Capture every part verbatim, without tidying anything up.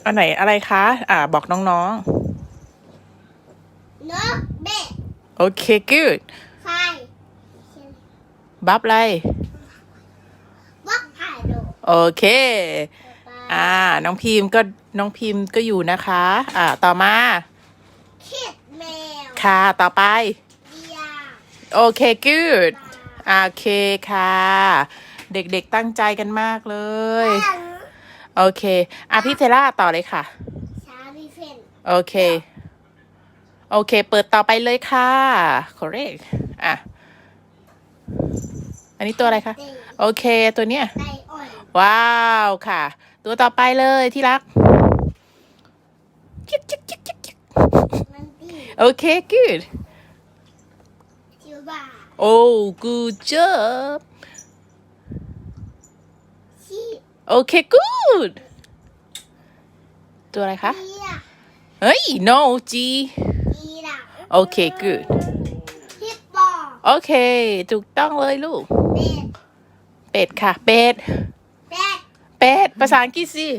อันไหนอะไรคะอ่าบอกน้องนกเบ็ดๆโอเค good ไฟบับอะไรวักไผ่โดโอเคอ่าน้องพิมพ์ก็น้องพิมพ์ก็อยู่นะคะอ่าต่อมาคิดแมวค่ะต่อไปเดียโอเค good โอเคค่ะเด็กๆตั้งใจกันมากเลยโอเคอ่ะพี่เทล่าต่อเลยค่ะชาลีเฟนโอเคโอเคเปิดต่อไปเลยค่ะ correct อ่ะอันนี้ตัวอะไรคะโอเคตัวเนี้ยไก่อ่อนว้าวค่ะตัวต่อไปเลยที่รักจิ๊กจิ๊กจิ๊กจิ๊กจิ๊กมันตีโอเค good จิวบาโอ้ good job ชีโอเค good ตัวอะไรคะเดียเฮ้ย no G อีหลังโอเค good ฮิปปอโอเคถูกต้องเลยลูกเป็ดเป็ดค่ะ เป็ดเป็ดเป็ด ภาษาอังกฤษสิ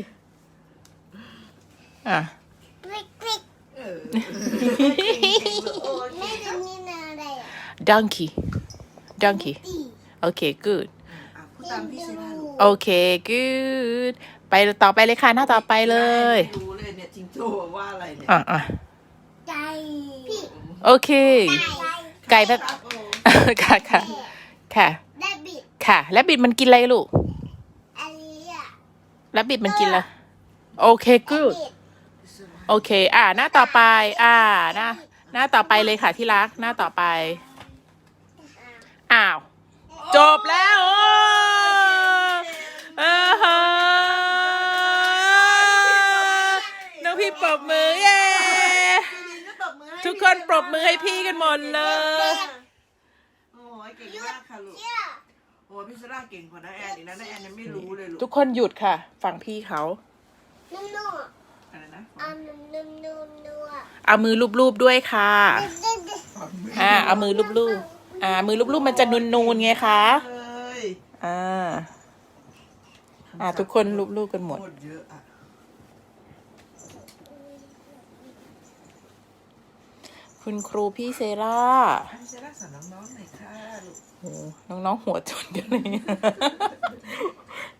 อ่ะกริกกริกเออแม่จะมีอะไรอ่ะ donkey donkey ตีโอเค good อ่ะพูดตามพี่เซล่าลูกโอเค good ไปต่อไปเลยค่ะ หน้าต่อไปเลยไม่รู้เลยเนี่ยจิงโจ้ว่าอะไรเนี่ยอ่ะอ่ะไก่พี่โอเค ไก่แบบครับโอ้ค่ะค่ะค่ะแดบิดค่ะแล้วบิดมันกินอะไรลูกอันนี้อ่ะแล้วบิดมันกินอะไรโอเค good บิดโอเค อ่า หน้าต่อไป อ่า หน้า หน้าต่อไปเลยค่ะที่รัก หน้าต่อไป อ้าว จบแล้วโอ้เออฮะน้องพี่ปรบมือเย้ ทุกคนปรบมือให้พี่กันหมดเลยโอ้ยเก่งมากค่ะลูกเชื่อโอ้ยพี่เซล่าเก่งกว่าน้าแอนอีกนะน้าแอนยังไม่รู้เลยลูกทุกคนหยุดค่ะ ฟังพี่เขานุ่มๆอ่ะอะไรนะเอานุ่มๆนุ่มๆอ่ะเอามือลูบๆด้วยค่ะเด็ดๆอ่า เอามือลูบๆอ่า มือลูบๆมันจะนูนๆไงคะเลยอ่า อ่า ทุกคนลูบๆกันหมดโคตรเยอะอ่ะคุณครูพี่เซร่าพี่เซล่าสอนน้องๆหน่อยค่ะลูกโอ้น้องๆหัวจนกันเลย